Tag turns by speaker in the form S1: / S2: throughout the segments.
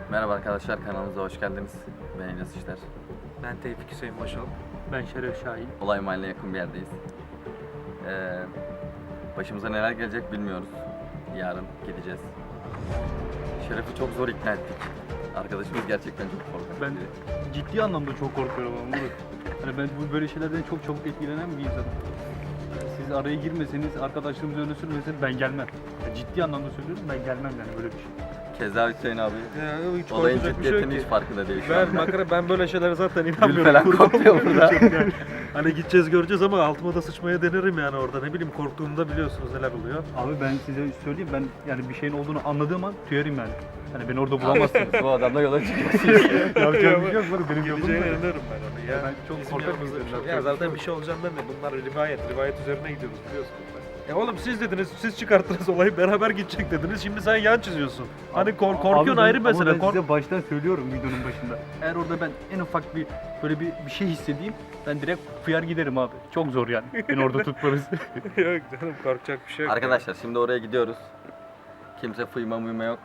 S1: Merhaba arkadaşlar, kanalımıza hoş geldiniz. Ben Enes İşler.
S2: Ben Tevfik Hüseyin Başal.
S3: Ben Şeref Şahin.
S1: Olay mahalline yakın bir yerdeyiz. Başımıza neler gelecek bilmiyoruz. Yarın gideceğiz. Şeref'i çok zor ikna ettik. Arkadaşımız gerçekten çok korkak.
S3: Ben ciddi anlamda çok korkuyorum ama Murat. Hani ben bu böyle şeylerden çok çabuk etkilenen bir insanım. Siz araya girmeseniz, arkadaşlığımızı öne sürmeseniz ben gelmem. Ciddi anlamda söylüyorum, ben gelmem yani böyle bir şey.
S1: Keza Hüseyin abi.
S2: Ya, hiç
S1: Olayın
S2: korkacak bir şey yok
S1: ciddiyetinin
S2: ki.
S1: hiç farkında değil şu
S2: Ben
S1: anda.
S2: makara ben böyle şeylere zaten
S1: Gül
S2: inanmıyorum.
S1: falan kopuyor burada.
S2: Yani. Hani gideceğiz göreceğiz ama altıma da sıçmaya denerim yani orada. Ne bileyim korktuğumda biliyorsunuz neler oluyor.
S3: Abi ben size söyleyeyim, ben yani bir şeyin olduğunu anladığım an tüyerim yani. Hani beni orada bulamazsınız.
S1: Bu adamla yola çıkıyorsun.
S3: Yapacağım bir şey yok, benim
S2: Gideceğine
S3: yolum var.
S2: inanırım ben onu ya.
S3: Ben çok
S2: Bizim
S3: korkak bir
S2: yanımızda bir
S3: insanım.
S2: şey. Ya zaten bir şey olacağından ne? Bunlar rivayet üzerine gidiyoruz biliyorsunuz. Oğlum siz dediniz, siz çıkarttınız olayı beraber gidecek dediniz. Şimdi sen yan çiziyorsun. Hani korkuyorsun
S3: Abi
S2: ayrı
S3: ben-
S2: mesele.
S3: Ama ben size baştan söylüyorum videonun başında. Eğer orada ben en ufak bir böyle bir şey hissedeyim, ben direkt fıyar giderim abi. Çok zor yani. Beni orada tutmanız.
S2: Yok canım korkacak bir şey yok.
S1: Arkadaşlar şimdi oraya gidiyoruz. Kimse fıyma yok.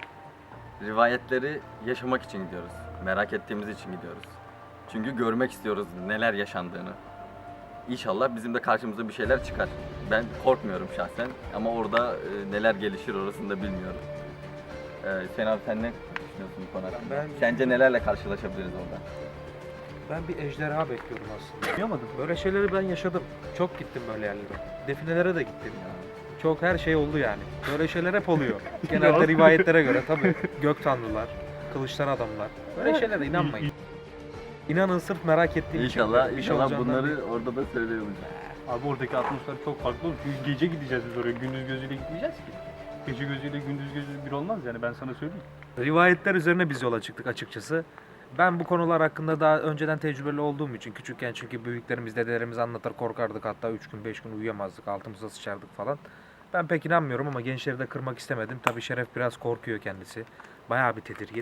S1: Rivayetleri yaşamak için gidiyoruz. Merak ettiğimiz için gidiyoruz. Çünkü görmek istiyoruz neler yaşandığını. İnşallah bizim de karşımıza bir şeyler çıkar. Ben korkmuyorum şahsen ama orada neler gelişir orasını da bilmiyorum. Sen abi sen ne düşünüyorsun bu konu hakkında? Sence nelerle karşılaşabiliriz orada?
S2: Ben bir ejderha bekliyorum aslında.
S3: Yapamadım.
S2: Böyle şeyleri ben yaşadım. Çok gittim böyle yerlere. Definelere de gittim. Çok her şey oldu yani. Böyle şeyler hep oluyor. Genelde rivayetlere göre tabii. Gök tanrılar, kılıçtan adamlar. Böyle şeylere inanmayın. İnanın sırf merak ettiğim için.
S1: İnşallah,
S2: bir şey
S1: inşallah
S2: olacağından
S1: bunları
S2: değil.
S1: orada da söylüyoruz.
S3: Abi oradaki atmosfer çok farklı olur. Çünkü gece gideceğiz biz oraya. Gündüz gözüyle gitmeyeceğiz ki. Gece gözüyle gündüz gözü bir olmaz yani, ben sana söyleyeyim.
S2: Rivayetler üzerine biz yola çıktık açıkçası. Ben bu konular hakkında daha önceden tecrübeli olduğum için küçükken çünkü büyüklerimiz, dedelerimiz anlatır korkardık, hatta 3 gün 5 gün uyuyamazdık, altımıza sıçardık falan. Ben pek inanmıyorum ama gençleri de kırmak istemedim. Tabii Şeref biraz korkuyor kendisi. Bayağı bir tedirgin.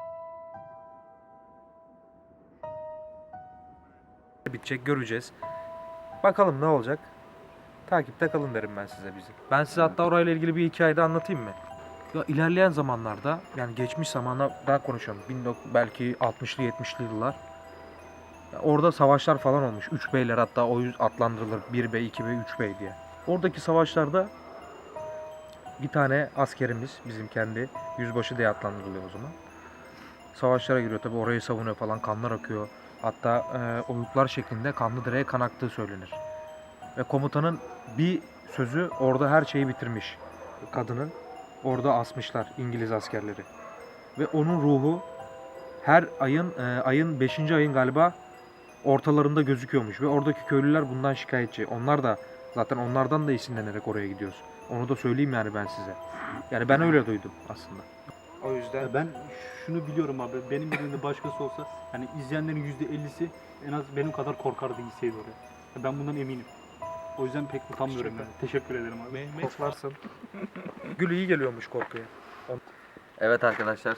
S2: Bitecek, göreceğiz. Bakalım ne olacak. Takipte kalın derim ben size bizi. Ben size hatta orayla ilgili bir hikaye de anlatayım mı? Ya ilerleyen zamanlarda yani geçmiş zamana daha konuşalım. Belki 60'lı 70'li yıllar. Ya orada savaşlar falan olmuş. 3 beyler hatta o yüz adlandırılır. 1 bey, 2 bey, 3 bey diye. Oradaki savaşlarda bir tane askerimiz bizim kendi yüzbaşı diye adlandırılıyor o zaman. Savaşlara giriyor tabi, orayı savunuyor falan, kanlar akıyor. Hatta oyuklar şeklinde kanlı direğe kan aktığı söylenir. Ve komutanın bir sözü orada her şeyi bitirmiş. Kadının orada asmışlar İngiliz askerleri. Ve onun ruhu her ayın 5. ayın galiba ortalarında gözüküyormuş. Ve oradaki köylüler bundan şikayetçi. Onlar da zaten onlardan da esinlenerek oraya gidiyoruz. Onu da söyleyeyim yani ben size. Yani ben öyle duydum aslında. O yüzden
S3: Ya ben şunu biliyorum abi, benim yerinde başkası olsa hani izleyenlerin %50'si en az benim kadar korkardı gitseydi oraya. Ya ben bundan eminim. O yüzden pek utanmıyorum yani. Teşekkür ederim abi.
S2: koklarsın. Gül iyi geliyormuş korkuya.
S1: Evet arkadaşlar,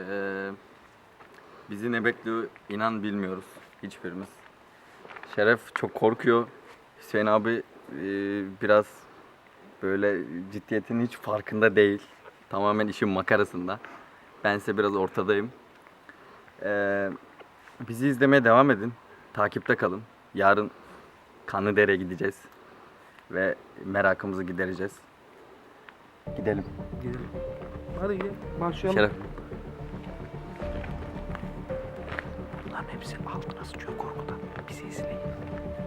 S1: bizi ne bekliyor inan bilmiyoruz hiçbirimiz. Şeref çok korkuyor. Hüseyin abi biraz böyle ciddiyetinin hiç farkında değil. Tamamen işin makarasında. Ben ise biraz ortadayım. Bizi izlemeye devam edin. Takipte kalın. Yarın Kanlıdere'ye gideceğiz. Ve merakımızı gidereceğiz. Gidelim.
S2: Gidelim. Hadi gel başlayalım.
S1: Şeref.
S2: Bunların hepsi altına sıçıyor korkudan. Bizi izleyin.